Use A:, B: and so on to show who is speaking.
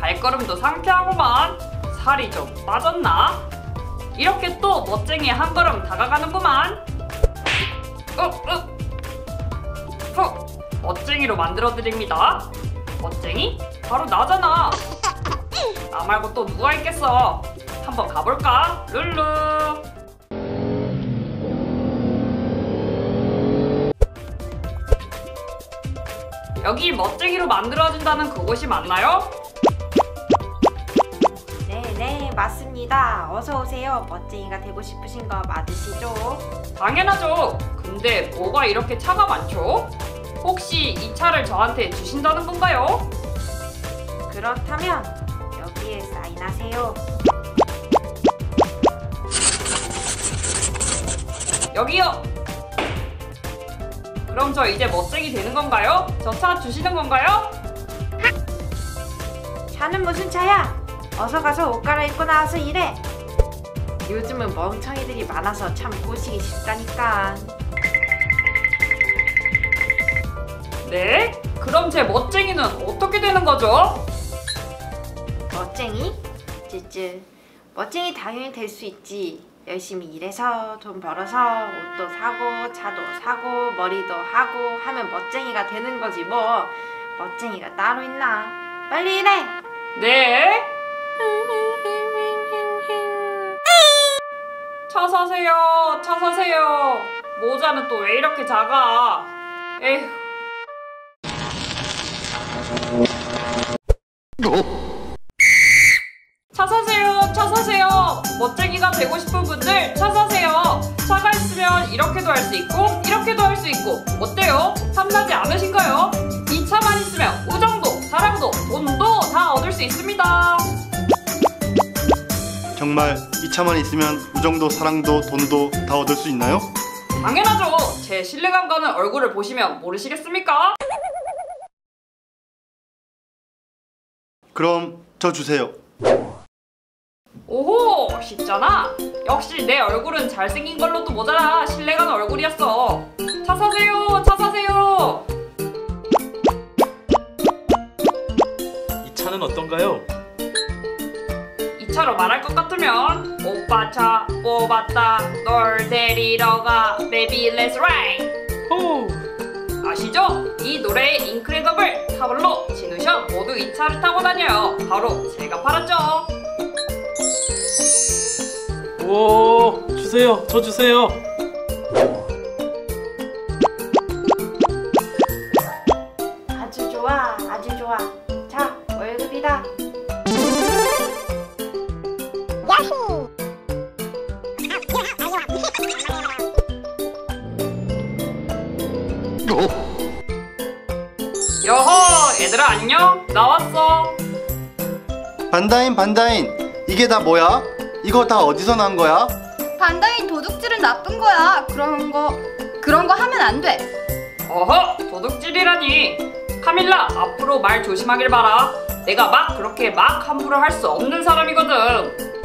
A: 발걸음도 상쾌하구만. 살이 좀 빠졌나? 이렇게 또 멋쟁이 한 걸음 다가가는구만. 멋쟁이로 만들어드립니다. 멋쟁이? 바로 나잖아. 나 말고 또 누가 있겠어. 한번 가볼까? 룰루. 여기 멋쟁이로 만들어준다는 그곳이 맞나요?
B: 네, 맞습니다. 어서 오세요. 멋쟁이가 되고 싶으신 거 맞으시죠?
A: 당연하죠. 근데 뭐가 이렇게 차가 많죠? 혹시 이 차를 저한테 주신다는 건가요?
B: 그렇다면 여기에 사인하세요.
A: 여기요. 그럼 저 이제 멋쟁이 되는 건가요? 저 차 주시는 건가요?
B: 차는 무슨 차야? 어서 가서 옷 갈아입고 나와서 일해. 요즘은 멍청이들이 많아서 참 꼬시기 쉽다니까.
A: 네? 그럼 제 멋쟁이는 어떻게 되는 거죠?
B: 멋쟁이? 쯔쯔. 멋쟁이 당연히 될 수 있지. 열심히 일해서 돈 벌어서 옷도 사고 차도 사고 머리도 하고 하면 멋쟁이가 되는 거지 뭐. 멋쟁이가 따로 있나? 빨리 일해!
A: 네? 차 사세요. 차 사세요. 모자는 또 왜 이렇게 작아? 에휴. 차 사세요. 차 사세요. 멋쟁이가 되고 싶은 분들 차 사세요. 차가 있으면 이렇게도 할 수 있고 이렇게도 할 수 있고 어때요? 탐나지 않으신가요? 이 차만 있으면 우정도 사랑도 돈도 다 얻을 수 있습니다.
C: 정말 이 차만 있으면 우정도 사랑도 돈도 다 얻을 수 있나요?
A: 당연하죠. 제 신뢰감 가는 얼굴을 보시면 모르시겠습니까?
C: 그럼 저 주세요.
A: 오호, 쉽잖아. 역시 내 얼굴은 잘생긴 걸로도 모자라 신뢰가는 얼굴이었어. 차 사세요. 차 사세요.
D: 이 차는 어떤가요?
A: 이 차로 말할 것 같으면 오빠 차 뽑았다. 널 데리러 가. Baby let's ride.
D: 호!
A: 아시죠? 이 노래의 인크레더블, 타블로, 진우션 모두 이 차를 타고 다녀요. 바로 제가 팔았죠.
D: 오, 주세요. 저 주세요.
B: 아주 좋아, 아주 좋아. 자, 월급이다.
E: 야호!
A: 여호, 얘들아 안녕. 나왔어.
C: 반다인 이게 다 뭐야? 이거 다 어디서 난 거야?
F: 반다인 도둑질은 나쁜 거야. 그런 거 하면 안 돼.
A: 어허, 도둑질이라니. 카밀라, 앞으로 말 조심하길 바라. 내가 막 그렇게 막 함부로 할 수 없는 사람이거든.